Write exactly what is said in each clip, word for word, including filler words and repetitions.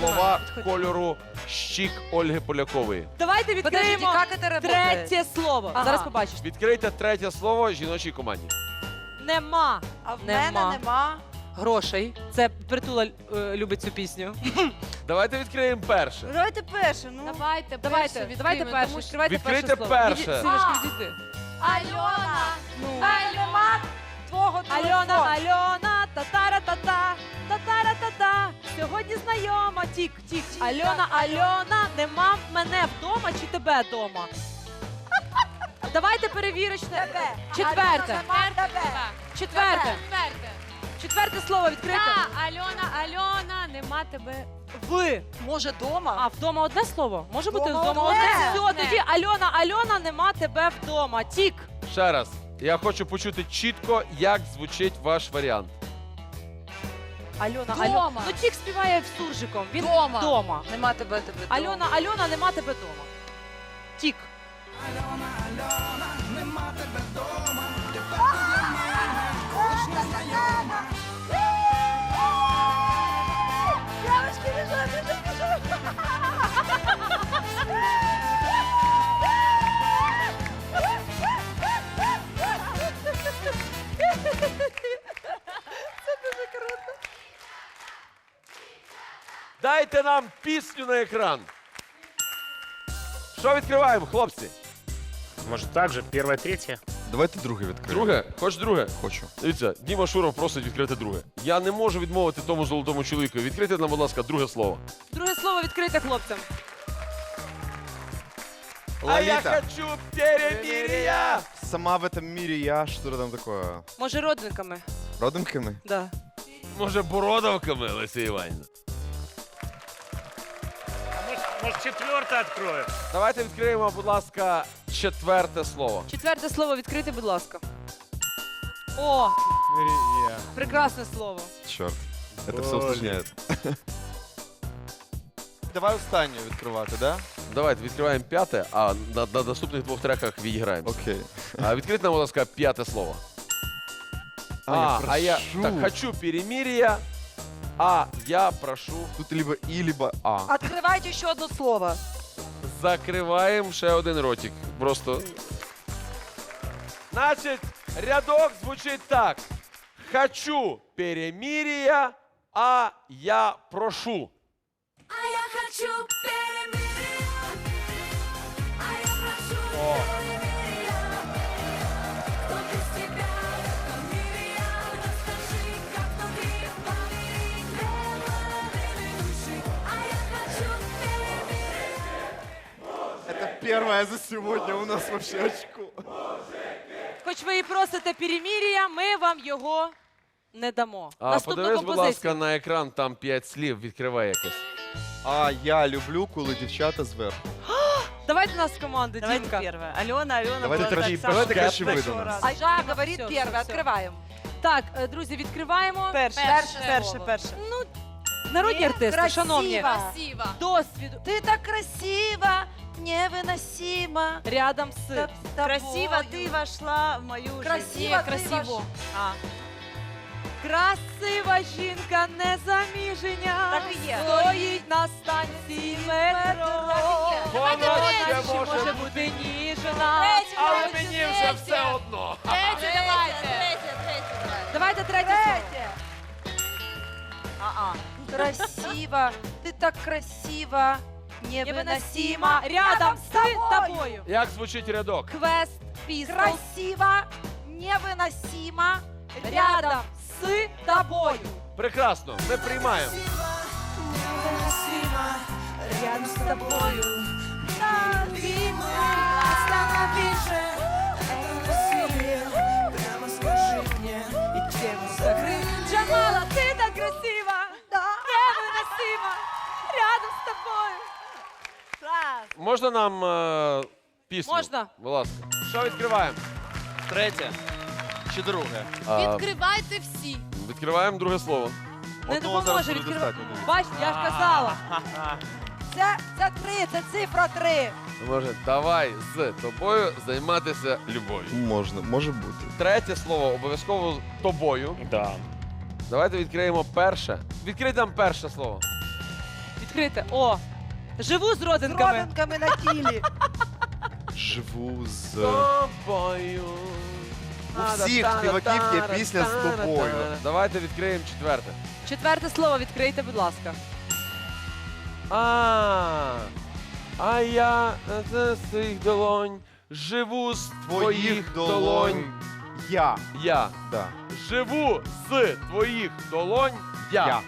слова кольору щік Ольги Полякової. Давайте відкриємо Подождите, как это работает? третє слово. Ага. Зараз побачиш. Відкрийте третє слово жіночій команді. Нема. А в Нема. мене нема. Грошей. Це Притула е, любить цю пісню. Давайте відкриємо перше. Давайте перше, ну. Давайте, Давайте, перше давайте відкриємо, перше. тому що- Відкривайте Відкрийте перше слово. перше. Віді- Синочка, відійди. Альона! Ну. Нема твого Альона, телефону. Альона, татара-та-та, татара-та-та. Сьогодні знайома, тік, тік. Альона, Альона, нема мене вдома чи тебе вдома? Давайте перевірочне. Тебе. Четверте. Альона, нема тебе. Четверте. Четверте. Четверте слово відкрите. Та, Альона, Альона, нема тебе. Ви. Може, дома? А, вдома одне слово? Може бути Вдома вдома одне. одне? Все, Одне. тоді Альона, Альона, нема тебе вдома. Тік. Ще раз. Я хочу почути чітко, як звучить ваш варіант. Альона, Дома. Альона. Ну, Тік співає в суржиком. Він Дома. вдома. Нема тебе, тебе. дома. Альона, Альона, нема тебе вдома. Тік. Девочки, бежим, бежим, бежим. Дайте нам пісню на екран. Що відкриваємо, хлопці? Может, так же? Первое, третье? Давайте друге відкриємо. Друге? Хоч друге? Хочу. Дивіться, Діма Шуров просить відкрити друге. Я не можу відмовити тому золотому чоловіку. Відкрийте нам, будь ласка, друге слово. Друге слово відкрите хлопцям. А я Лолита. хочу перемирия! Сама в этом мире я, что там такое? Може, родинками? Родинками? Да. Може, бородавками, Леся Іванівна? А может, может четвертое откроем? Давайте відкриємо, будь ласка, четверте слово. Четверте слово відкрите, будь ласка. О, Мирия. прекрасне слово. Черт. Это все Блин. усложняет. Давай останню відкривати, да? Давайте відкриваємо п'яте, а на, на наступних двох треках відіграємо. Окей. А відкрити нам, будь ласка, п'яте слово. А, я а я прошу. так, хочу перемирия, а я прошу. Тут либо и, либо а. Открывайте еще одно слово. Закриваємо ще один ротик. Просто. Значить, рядок звучить так. Хочу перемирия, а я прошу. А я хочу перемирия, а я прошу перемирия. Кто без тебя в этом мире, я расскажи, как внутри поверить в половины души. А я хочу перемирия. Это первое за сегодня у нас вообще очко. Хоч ви і просите перемір'я, ми вам його не дамо. А Наступну подивись, будь композицію. ласка, на екран, там п'ять слів, відкривай якесь. А я люблю, коли дівчата зверху. Давайте нас в команду, Давайте Дімка. первое. Алена, Алена. Давайте была краще, так давайте самая краще ви хорошо до нас. раз. А Айжа Все, говорит все, первое, все. открываем. Так, е, друзі, відкриваємо. Перше, Перше перше, слово. перше. Ну, народні Ні, артисти, красиво. шановні. Красиво. Досвіду. Ты так красиво, невыносимо. Рядом з. С красиво ты вошла в мою Красиво, жизнь. красиво. А, Красива жінка незаміження. Так і є. Стоїть на станції метро. Вона Вона ще ще може може бути ніжна. Але мені вже все одно. Третє, давайте. третье, третье. Давайте третє слово. Третье. А-а. Красиво, ты так красиво, Невиносима. невыносимо. Рядом з тобою. Як звучить рядок? Квест пістол. Красиво, невыносимо. Рядом з тобою. Прекрасно, ми приймаємо. Рядом з тобою. Джамала, ти так красива. Невиносима. Рядом з тобою. Класс. Можна нам е, пісню? Можна. Будь ласка. Що відкриваємо? Третє. Чи друге? А, Відкривайте всі. відкриваємо друге слово. Не Одного зараз допоможе буде відкривати. достатньо, дивіться. Бач, я ж казала. Це, це три, це цифра три. Може, давай з тобою займатися любов'ю. Можна, може бути. Третє слово обов'язково з тобою. Да. Давайте відкриємо перше. Відкрийте нам перше слово. Відкрийте. О! Живу з З родинками. родинками на тілі. Живу з... тобою. У всіх співаків є пісня з тобою. Давайте відкриємо четверте. Четверте слово відкрийте, будь ласка. А, а я з своїх долонь живу з твоїх долонь. Я. Я Да. живу з твоїх долонь. Я. Я.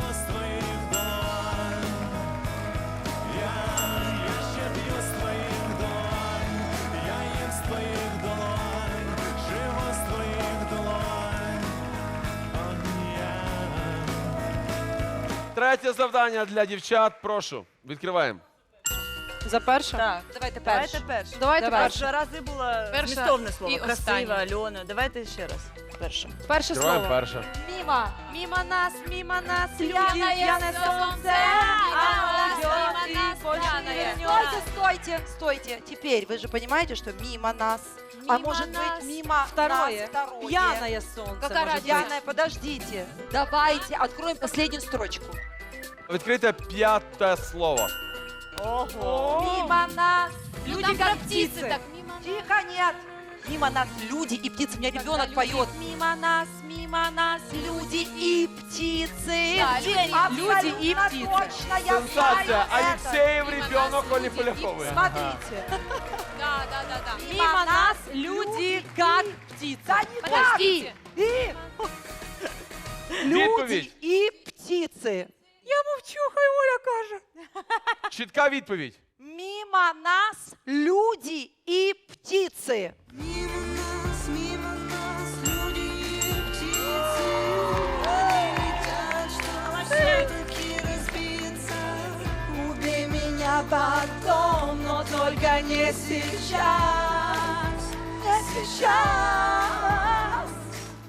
Третє завдання для дівчат. Прошу, відкриваємо. За перше? Так, давайте Давайте перше. перше. Давайте Давай. перше. Першого рази було Перше змістовне слово. і Красива, останнє. Альона. Давайте ще раз. Перше. Перше Відкриваємо слово. перше. Мимо. Мимо нас, мимо нас, люди, Пьяное пьяное солнце, солнце, мимо оно нас, идет мимо и нас, больше не пьяное. вернется. Стойте, стойте, стойте. Теперь вы же понимаете, что мимо нас, а Мимо может нас. быть мимо Второе. нас второе. Пьяное солнце. Какая может разница? быть. Пьяное, подождите. Давайте откроем последнюю строчку. Відкрийте п'яте слово. Ого. Мимо нас. Ну, Люди там как про птицы. Так, мимо нас. Тихо, нет. Мимо нас люди и птицы. У меня ребенок люди- поет. Мимо нас, мимо нас люди и птицы. Да, люди- люди и Абсолютно птицы. точно, я Сенсація. знаю это. Алексеєв Мимо ребенок нас Олі люди Полякової. Смотрите. Да, да, да, да. Мимо нас люди как птицы. Да не так. Подождите. И Відповідь. люди и птицы. Я молчу, хай Оля каже. Чітка відповідь. Мимо нас люди и птицы. Мимо нас, мимо нас люди и птицы летят, чтобы все-таки разбиться. Убей меня потом, но только не сейчас. Не сейчас.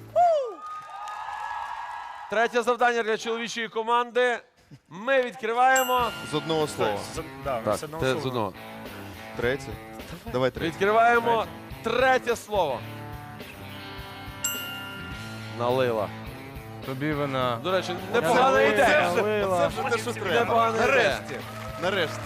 Третє завдання для чоловічої команди. Ми відкриваємо. З одного слова. З- Да, Так, з одного те слова. з одного. Третє. Давай третє. Відкриваємо третє слово. Налила. Тобі вона. До речі, непогана ідея. Це вже те, що треба. Непогана ідея. Нарешті. Нарешті.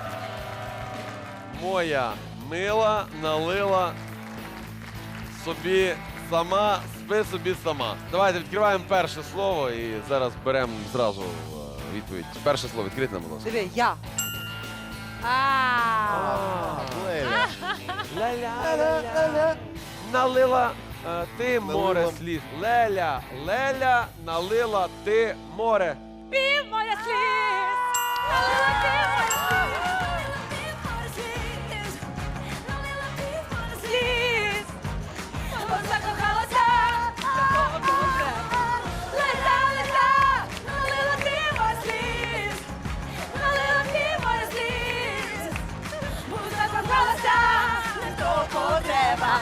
Моя мила налила собі сама, спи собі сама. Давайте відкриваємо перше слово і зараз беремо зразу е, відповідь. Перше слово відкрите нам, будь ласка. Диви, я. Леля. Ля-ля-ля-ля. Налила е, ти море Налила. слів. Леля, Леля, налила ти море. Пів моя сліз. Сліз. Закохалася. Леля, леля, налила ти моя сліз. Налила ти моя сліз. Закохалася. Не того треба.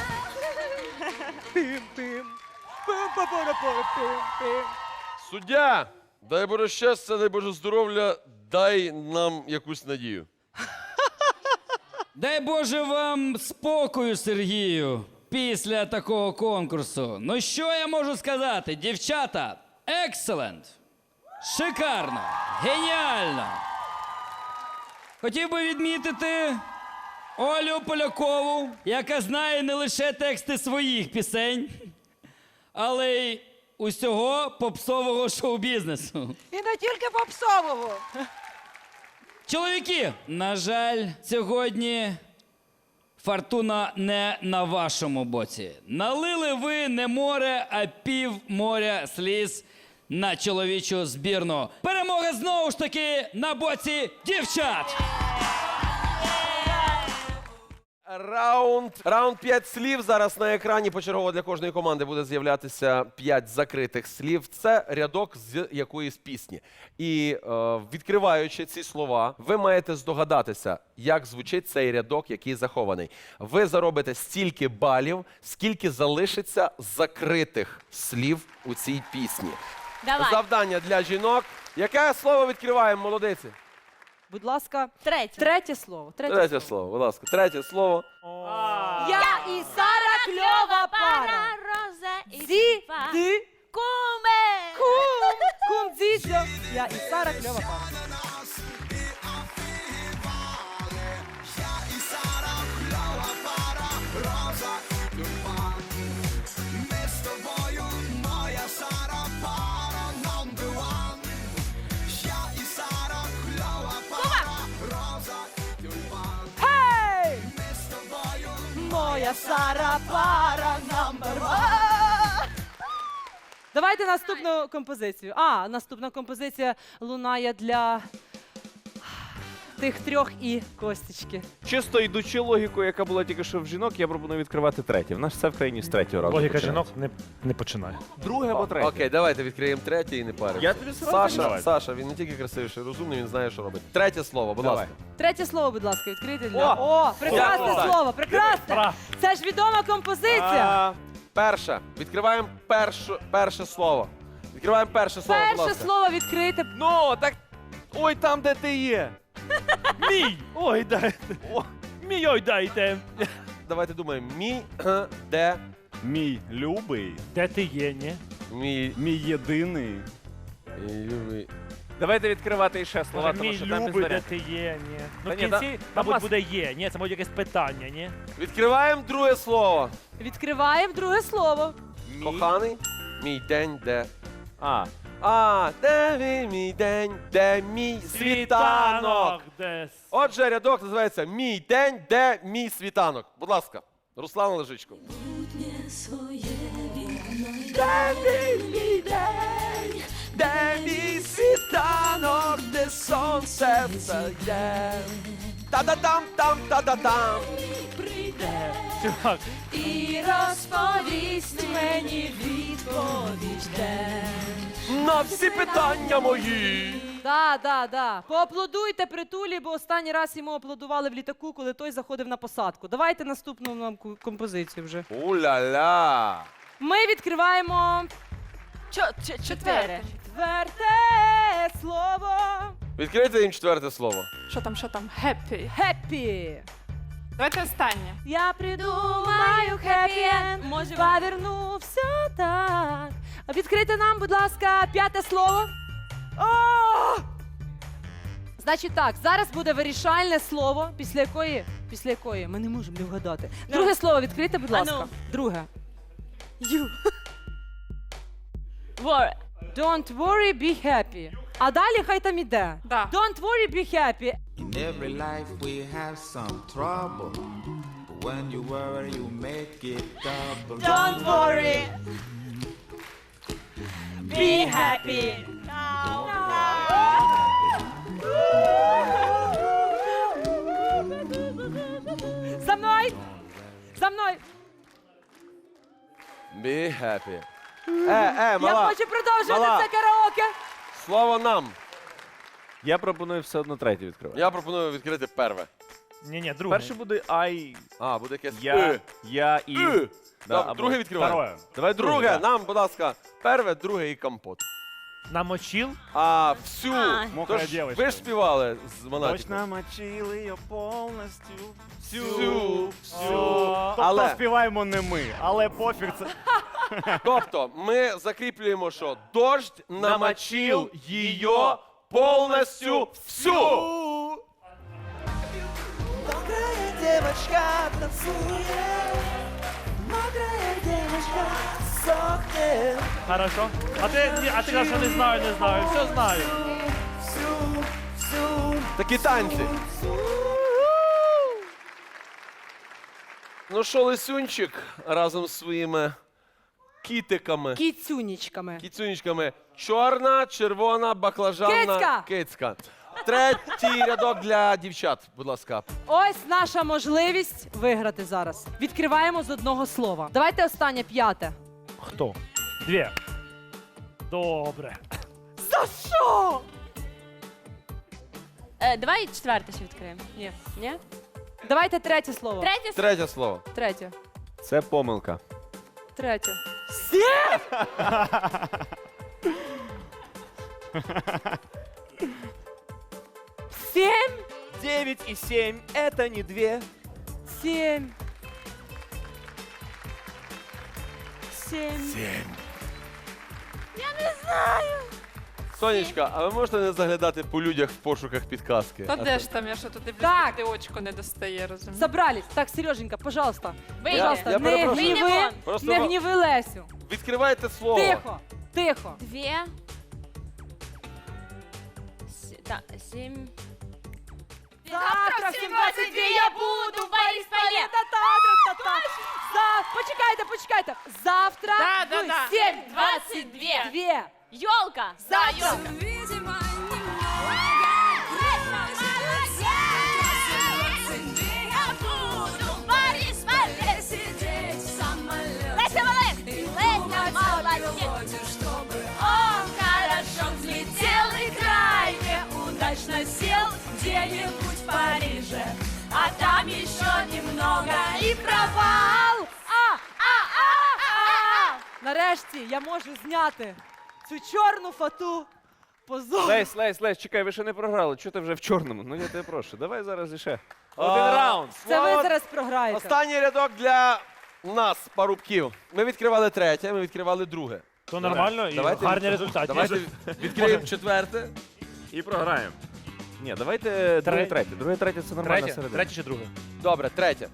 Суддя, дай Боже щастя, дай Боже здоров'я, дай нам якусь надію. Дай Боже вам спокою, Сергію, після такого конкурсу. Ну що я можу сказати? Дівчата, екселент! Шикарно! Геніально! Хотів би відмітити Олю Полякову, яка знає не лише тексти своїх пісень, але й усього попсового шоу-бізнесу. І не тільки попсового. Чоловіки, на жаль, сьогодні фортуна не на вашому боці. Налили ви не море, а пів моря сліз на чоловічу збірну. Перемога знову ж таки на боці дівчат! Раунд. Раунд п'ять слів. Зараз на екрані почергово для кожної команди буде з'являтися п'ять закритих слів. Це рядок з якоїсь пісні. І е, відкриваючи ці слова, ви маєте здогадатися, як звучить цей рядок, який захований. Ви заробите стільки балів, скільки залишиться закритих слів у цій пісні. Давай. Завдання для жінок. Яке слово відкриваємо, молодиці? Будь ласка, Третє. третє слово. Третє, Третє слово, будь ласка. Третє слово. Я і Сара кльова пара. Роза і Зі, Степа. ди, Куме. кум, кум, дзідзьо. Я і Сара кльова пара. моя Сара пара number one. Давайте наступну композицію. А, наступна композиція лунає для тих трьох і Костічки. Чисто йдучи логікою, яка була тільки що в жінок, я пропоную відкривати третє. В нас все в країні з третього разу. Логіка починається. жінок не, не починає. Друге або третє. Окей, давайте відкриємо третє і не паримо. Я тобі сразу Саша, давай. Саша, він не тільки красивіший, розумний, він знає, що робить. Третє слово, будь Давай. ласка. Третє слово, будь ласка, відкрийте для. О! О, прекрасне О! слово, прекрасне. Пора. Це ж відома композиція. А, перше. Відкриваємо першу, перше слово. Відкриваємо перше слово, будь Перше ласка. слово відкрите. Ну, так. Ой, там, де ти є. Мій! Ой, дайте. О, мій, ой, дайте. Давайте думаємо. Мій, е, де, Мій любий, Де ти є, ні? мій, мій єдиний. любий. Давайте відкривати іще слова, Може, тому мій що там любий, де піздаря. ти є, ні. Ну, Та в ні, та- кінці, там мабуть, мас- буде є. Ні, це буде якесь питання, ні? Відкриваємо друге слово. Відкриваємо друге слово. Мій- Коханий, мій день, де. А, А, де мій, мій день, де мій світанок. десь. Отже, рядок називається Мій день, де мій світанок. Будь ласка, Руслан Лежичко. Де мій, мій день, де мій світанок, де сонце встає. Та-да-там, там, та-да-там. Чувак, І розповість мені відповідь, де. На всі питання мої. Да, да, да. Поаплодуйте притулі, бо останній раз йому аплодували в літаку, коли той заходив на посадку. Давайте наступну нам ку- композицію вже. У-ля-ля. Ми відкриваємо Четверте. четверте слово. Відкрийте їм четверте слово. Що там, що там? Happy. Хеппі. Давайте останнє. Я придумаю хеппі-енд, може повернувся так. Відкрийте нам, будь ласка, п'яте слово. О! Значить так, зараз буде вирішальне слово, після якої, після якої ми не можемо не вгадати. Друге слово відкрийте, будь ласка. Ану. Друге. You. Worry. Don't worry, be happy. А далі хай там іде. Да. Don't worry, be happy. In every life we have some trouble. But when you worry, you make it double. Don't worry, be happy. За мною! За мною! Be happy. Е, е, Я мала. хочу продовжувати Мала. це караоке. Слово нам. я пропоную все одно третє відкривати. Я пропоную відкрити перве. ні, ні, друге. Перше буде I, А, буде якесь я, «и». я і. «И». Да, Добре, або- друге відкриваємо. Второе. Давай Друге, друге. да. нам, будь ласка, перве, друге і компот. Намочил. А всю. Мокра Тож дівочка. ви ж співали з Монатіком. Точно мочили її повністю. Всю, всю. Тобто Але, співаємо не ми, але пофіг це. тобто, ми закріплюємо, що дощ намочив її повністю всю. Хорошо. А ти, ні, а ти кажеш, що не знаю, не знаю. Все знаю. Такі танці. Ну що, Лисюнчик разом з своїми кітиками, Кіцюнічками. кіцюнічками. Чорна, червона, баклажанна, Кицька. кицька. Третій рядок для дівчат, будь ласка. Ось наша можливість виграти зараз. Відкриваємо з одного слова. Давайте останнє п'яте. Хто? Дві. Добре. За що? Е, давай четверте ще відкриємо. Ні. Ні? Давайте третє слово. Третє. Третє слово. Третє. Це помилка. Третє. Сім? дев'ять і сім – це не дві. Сім. Сім. Сонечка, а ви можете не заглядати по людях в пошуках підказки? Та А де то- ж там, я що тут дивлюсь, Так. ти очко не достає, розумієш? Собрались. Так, Сереженька, пожалуйста. Вийди. Пожалуйста, Я не перепрошую. гніви, Вийди вон. Просто не ва- гніви Лесю. Відкривайте слово. Тихо, тихо. Дві. С- та, сім. Завтра в сім двадцять дві я буду в Борисполі. Та-та-та-та-та. За... Почекайте, почекайте. Завтра Да, да, в да. сім двадцять дві. дві. Йолка. Завтра. Видимо, Я буду в Борисполі сидеть в самолете. Леся молодець! Леся молодець! Он хорошо взлетел и крайне удачно сел где-нибудь в Париже. А там еще немного и провал. А, а, а, а. Нарешті я можу зняти цю чорну фату. Позор. Лесь, Лесь, Лесь, чекай, ви ще не програли. Чого ти вже в чорному? Ну я тебе прошу. Давай зараз іще. Один А, раунд. Це ви Слава- зараз програєте. Останній рядок для нас, парубків. Ми відкривали третє, ми відкривали друге. То нормально і Давайте гарні від- результати. Давайте відкриємо четверте. І програємо. Ні, давайте друге, Тре- третє. Друге, третє це нормальна Третє, середина. третє чи друге? Добре, третє.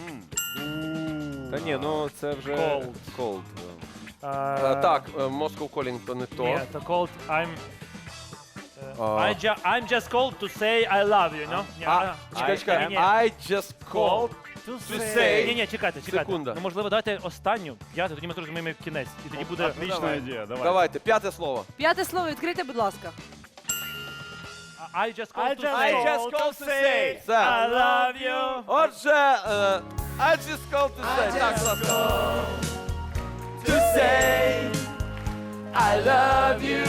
Та ні, ну це вже Cold. cold. Е, Так, е, Moscow Calling то не то. Ні, то cold, I'm... А. I ju I'm just called to say I love you, no? Ні, А, чекай, I- чекай. ні, I just called. to say. say. Ні, ні, чекайте, чекайте. Секунда. Ну, можливо, давайте останню, п'яту, тоді ми зрозуміємо кінець. І тоді буде... Отлична ідея, давай. Давайте, п'яте слово. П'яте слово відкрийте, будь ласка. I just called to I say just called to say Все. I love you. Отже, е, I just called to say. Так, будь ласка. To say I love you.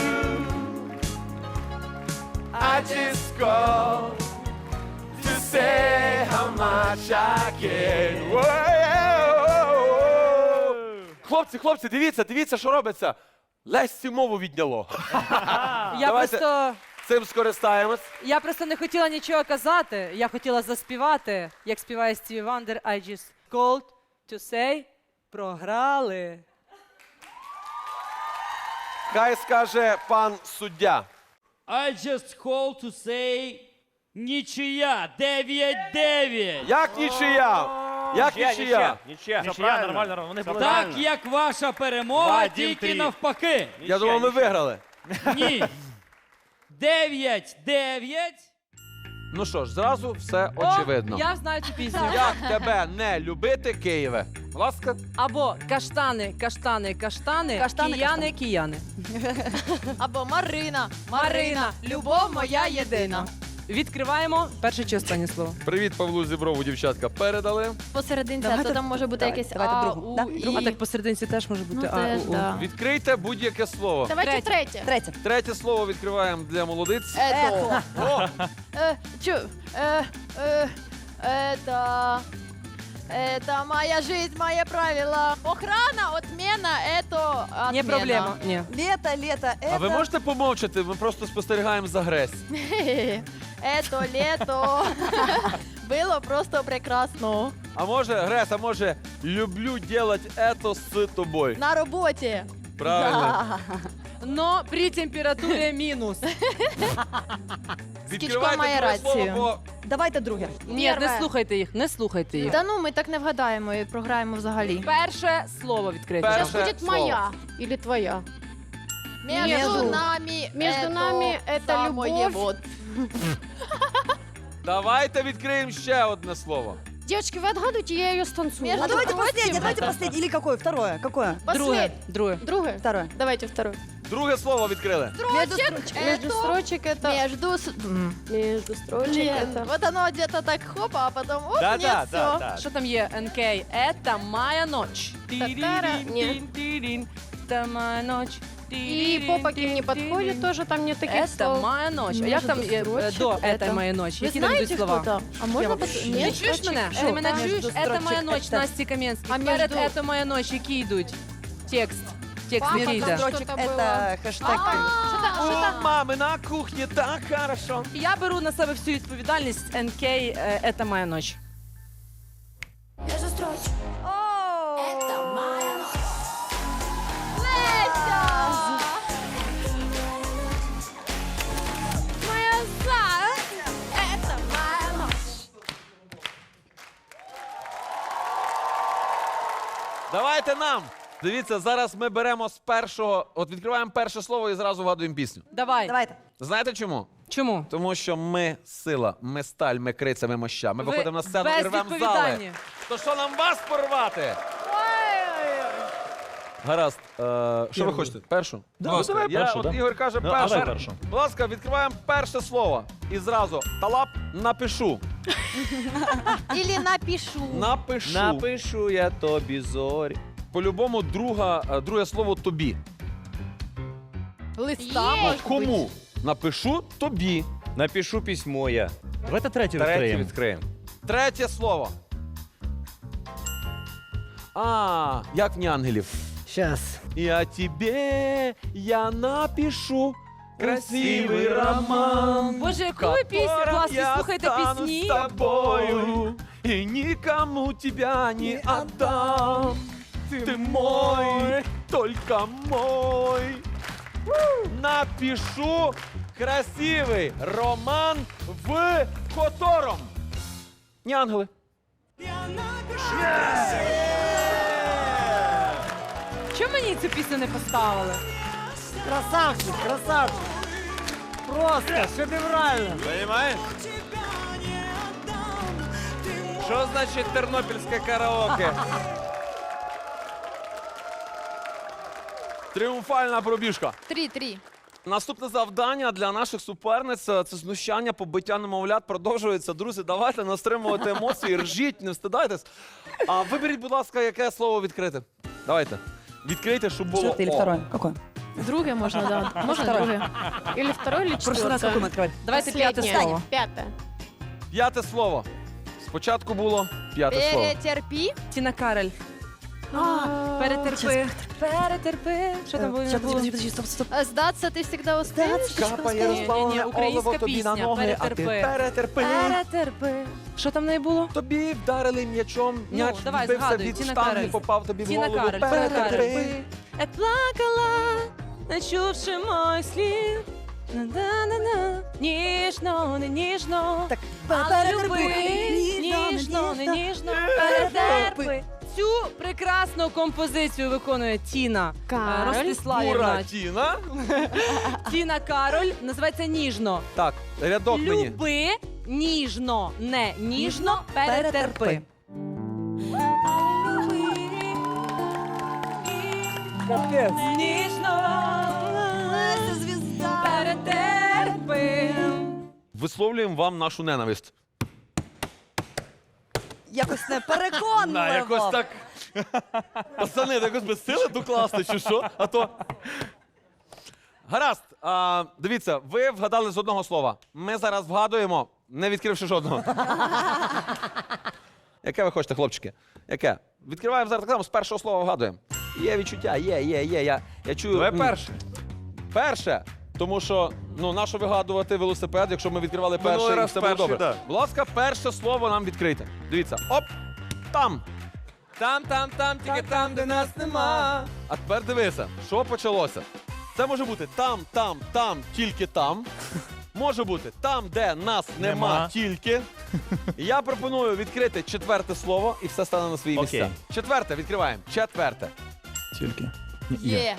I just called to say how much I care. Whoa. Хлопці, хлопці, дивіться, дивіться, що робиться. Лесці мову відняло. Я Давайте. просто, Цим скористаємось. я просто не хотіла нічого казати. Я хотіла заспівати, як співає Стіві Вандер. I just called to say програли. Хай скаже пан суддя. I just call to say нічия. дев'ять дев'ять. Як нічия? Як Нічия, нічия? Нічия. Нічия, нормально, нормально. Вони були... Так, як ваша перемога, Вадим тільки три. навпаки. Я думав, ми виграли. Ні. дев'ять дев'ять. Ну що ж, зразу все О, очевидно. я знаю цю пісню. Як тебе не любити, Києве? Будь ласка. Або каштани, каштани, каштани, Каштани, кияни, кияни. Або Марина, Марина, любов моя єдина. Відкриваємо перше чи останнє слово. Привіт, Павлу Зіброву, дівчатка, передали. Посерединці, а Давайте- то там може бути давайте, якесь давайте А, другу. У, Да, І. другу. А так посерединці теж може бути Ну, А, теж, У, У. да. Відкрийте будь-яке слово. Давайте Третє. третє. Третє. Третє слово відкриваємо для молодиць. Ето. О, Э, чё? Э, э, это... Это моя жизнь, мои правила. Охрана, отмена, это отмена. Не проблема. Ні. Лето, лето, это... а ви можете помовчати? Ми просто спостерігаємо за Гресь. Это лето было просто прекрасно. А може, Грес, а може, люблю делать это з тобою. На роботі. Правильно. Но при температурі мінус. Відкривайте має друге слово, рацію. бо Давайте друге. Ні, Перше. не слухайте їх, не слухайте їх. Та ну, ми так не вгадаємо і програємо взагалі. Перше слово відкрите. Перше Сейчас будет слово. моя или твоя. Между, Между. нами Между это нами это самое любовь. вот. давайте відкриємо ще одне слово. Девочки, вы отгадывайте, я ее станцую. Между А давайте прочим, последнее, давайте последнее. Или какое? Второе. Какое? Друге. Послед- Друге. Другое. Второе. Давайте второе. Друге слово відкрили. Строчек, Между это- строчек это... Между... с- М. Между строчек Нет, это... вот оно где-то так хопа, а потом оп, Да, нет, да, все. да, да. Що там є? ен кей. Это моя ночь. Та-та-ра. Тирин-тирин-тирин. Это моя ночь. И по поки не подходит, тоже там нет таких Это слов. моя ночь. А як там є, е, строчек до это- «Это моя ночь»? Вы Які там йдуть знаете, слова? что там? А можно пос... Ти Нет, чуєш строчек? мене? Что? Ти мене Между чуєш? Это моя строчек ночь, это- Насті Кам'янський. А Перед между- «Это моя ночь» які йдуть? Текст. Текст Папа який там йде? что-то Строчек было. это хэштег. У мами на кухні так хорошо. Я беру на себе всю відповідальність. ен кей е, «Это моя ночь». Леся! Моя за. Это моя ночь. Давайте нам. Дивіться, зараз ми беремо з першого, от відкриваємо перше слово і зразу вгадуємо пісню. Давай. Давайте. Знаєте чому? Чому? Тому що ми сила, ми сталь, ми криця, ми моща. Ми Ви виходимо на сцену і рвемо зали. безвідповідальні. То що нам вас порвати? Гаразд. Е, що ви хочете? Першу? Да, Будь ласка, давай я, першу, от да. Ігор каже Ну, а першу. давай першу. Будь ласка, відкриваємо перше слово. І зразу талап напишу. Или напишу. Напишу. Напишу я тобі зорі. По-любому друга, е, друге слово тобі. Листа Є. може Кому? бути. Напишу тобі. Напишу письмо я. Давайте третю Третє відкриємо. відкриємо. Третє слово. А, як в ангелів. Щас. Я тебе, я напишу красивий роман. Боже, яку ви пісню класні я слухаєте стану пісні? с тобою, и никому тебя не отдам. Ты мой, только мой. Напишу красивий роман, в котором не ангели. Чому мені цю пісню не поставили? Красавчик, красавчик. Просто шедеврально. Понимаешь? Що значить тернопільське караоке? Тріумфальна пробіжка. Три-три. Наступне завдання для наших суперниць це знущання, побиття немовлят продовжується. Друзі, давайте не стримувати емоції, ржіть, не встидайтесь. А виберіть, будь ласка, яке слово відкрити. Давайте. Відкрийте, щоб було Четвертое или О. второе? Какое? Друге можно, да. Можно Второе. друге. Или второе, или В прошлый раз какое мы четвертое. открывали? Давайте п'яте Последнее. слово. Пятое. П'яте слово. Спочатку було п'яте слово. Перетерпи. Тіна Кароль. Перетерпи. Перетерпи. Що там було? Сейчас, подожди, подожди, подожди, стоп, стоп. А сдаться ты всегда успеешь? Капає Ні, ні, ні, розпалене українська олово тобі на пісня. ноги, а ти Перетерпи. перетерпи. Перетерпи. Що там в неї було? Тобі вдарили м'ячом, м'яч Ну, давай, відбився згадуй, від Тіна штанги, Кароль. попав тобі в Тіна голову. Кароль. Тіна Кароль. Перетерпи. Як плакала, не чувши моїх слів. На-на-на-на. Ніжно, не ніжно. Так, Але люби, Ніжно, ніжно, не ніжно. ніжно, перетерпи. Цю прекрасну композицію виконує Тіна е, Кароль. Ростиславівна. Бура Тіна. Тіна Кароль. Називається «Ніжно». Так, рядок мені. Люби, ніжно, не ніжно, перетерпи. Ніжно, перетерпи. Висловлюємо вам нашу ненависть. Якось не переконливо. На, якось так. Пацани, якось без сили докласти, чи що? А то. Гаразд. А, дивіться, ви вгадали з одного слова. Ми зараз вгадуємо, не відкривши жодного. Яке ви хочете, хлопчики? Яке? Відкриваємо зараз так само, з першого слова вгадуємо. Є відчуття, є, є, є. Я, я чую. Давай м, перше. Перше. Тому що, ну, нащо вигадувати велосипед, якщо ми відкривали Минулий перше і раз все було перший, добре. да. Будь ласка, перше слово нам відкрийте. Дивіться. Оп! Там. Там, там, там, тільки там, де нас нема. А тепер дивися, що почалося. Це може бути там, там, там, тільки там. Може бути там, де нас нема, Нема. тільки. Я пропоную відкрити четверте слово і все стане на свої Окей. місця. Четверте відкриваємо. Четверте. Тільки. Є.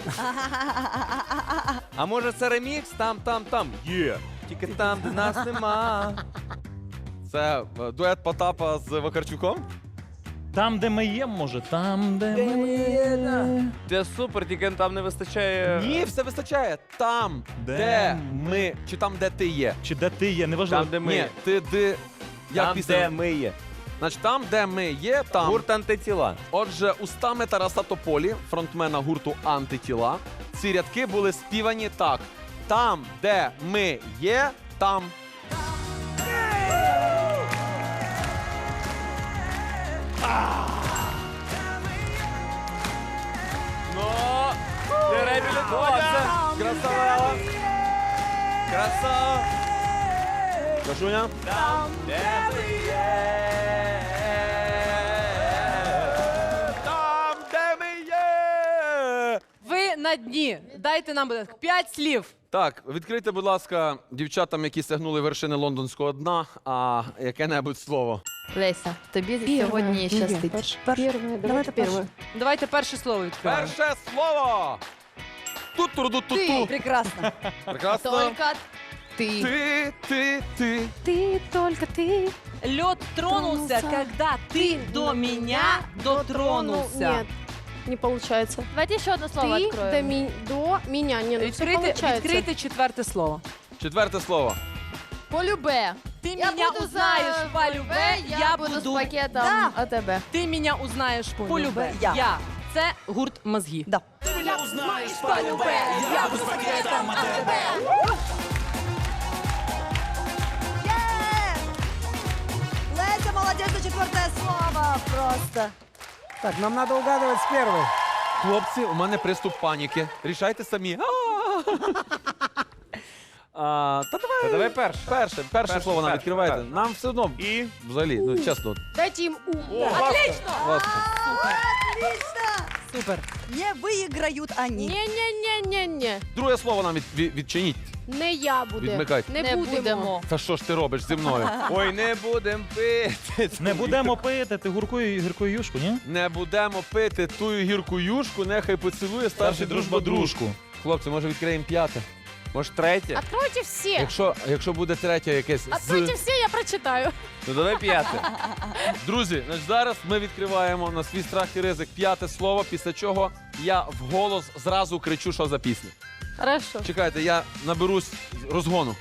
А може це ремікс? Там, там, там. Є. Тільки там, де нас нема. Це е, дует Потапа з Вакарчуком. Там, де ми є, може, там, де ми є. Це супер, тільки там не вистачає. Ні, все вистачає. Там, де, Де ми, чи там, де ти є. Чи де ти є, неважливо. Там, де ми Ні, є. ти де. Як Там, пісня? де ми є. Значить, там, де ми є, там. Гурт антитіла. Отже, устами Тараса Тополі, фронтмена гурту Антитіла, ці рядки були співані так: там, де ми є, там. Ну, ти реабілітувався. Красава! Красава! Кашуня? Там, де ми є. Там, де ми є! Ви на дні. Дайте нам, будь ласка, п'ять слів. Так, відкрийте, будь ласка, дівчатам, які сягнули вершини лондонського дна, а яке-небудь слово. Леся, тобі сьогодні щастить. Первое, давайте первое. Давайте перше слово відкриваємо. Перше слово! Тут-туру-ду-ту-ту. Прекрасно. Прекрасно. Только Ты. Ти, ти, ти. Ты, только ты. Лед тронулся, Тронулся. когда ты до меня дотронулся. Нет, не получается. Давайте еще одно слово Ты откроем. до, ми- до меня. Не, ну все Відкрийте, получается. відкрийте четверте слово. Четверте слово. Полюбе. Ты Я меня буду узнаешь за по любе, я, я буду, буду... з пакетом Да. АТБ. Ти мене узнаєш по любе, я. я. Це гурт мозги. Да. Леся, молодец, за четвертое слово. Просто. Так, нам надо угадывать с первой. Хлопці, у мене приступ паніки. Рішайте самі. А, та давай, Та давай перше. перше, перше, Перше, слово нам перше, відкривайте. перше. Нам все одно, І взагалі, ну чесно. Дайте им ум. Отлично. Супер. Не выиграют они. Не-не-не-не-не. Друге слово нам від, від- відчиніть. Не я буду. Відмикайте. Не, Не будемо. будемо. Та що ж ти робиш зі мною? ой, не будем пити. Не будемо пити, ти гуркою гіркою юшку, ні? Не будемо пити тую гірку юшку, нехай поцілує старший дружба дружку. Хлопці, може відкриємо п'яте? Може, третє? Откройте все. Якщо, якщо буде третє якесь Откройте з. все, я прочитаю. Ну давай п'яте. Друзі, значить, зараз ми відкриваємо на свій страх і ризик п'яте слово, після чого я вголос зразу кричу, що за пісня. Хорошо. Чекайте, я наберусь розгону.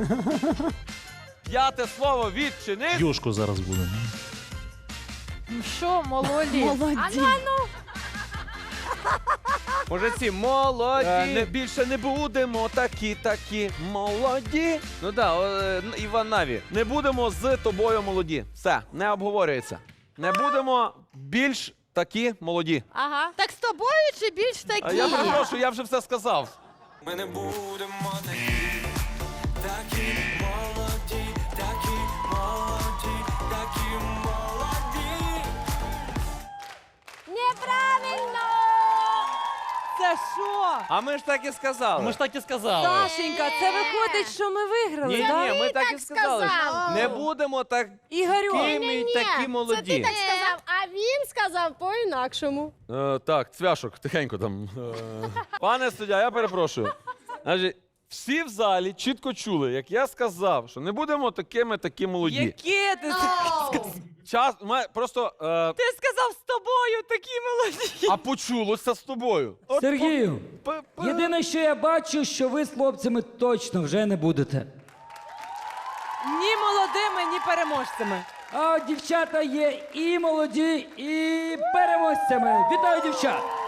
П'яте слово відчинив. Юшку зараз буде. Ну що, молоді? Молодец. Може, ці молоді. Е, не, більше не будемо такі, такі молоді. Ну да, о, е, Іван Наві. Не будемо з тобою молоді. Все, не обговорюється. Не будемо більш такі молоді. Ага. Так з тобою чи більш такі? А я перепрошую, я вже все сказав. Ми не будемо такі, такі молоді, такі молоді, такі молоді. Неправильно! Це що? А ми ж так і сказали. Ми ж так і сказали. Сашенька, це виходить, що ми виграли, Ні, так? ні, ми так і сказали. сказав. Не будемо так Ігорю, кими такі молоді. сказав, а він сказав по-інакшому. Е, так, цвяшок, тихенько там. Е. Пане суддя, я перепрошую. Значить, всі в залі чітко чули, як я сказав, що не будемо такими такі молоді. яке ти сказав? Час, ма- просто, е, Ти сказав з тобою такі молоді. а почулося з тобою. От Сергію, п- п- єдине, що я бачу, що ви з хлопцями точно вже не будете. Ні молодими, ні переможцями. А от дівчата є і молоді, і переможцями. Вітаю, дівчат!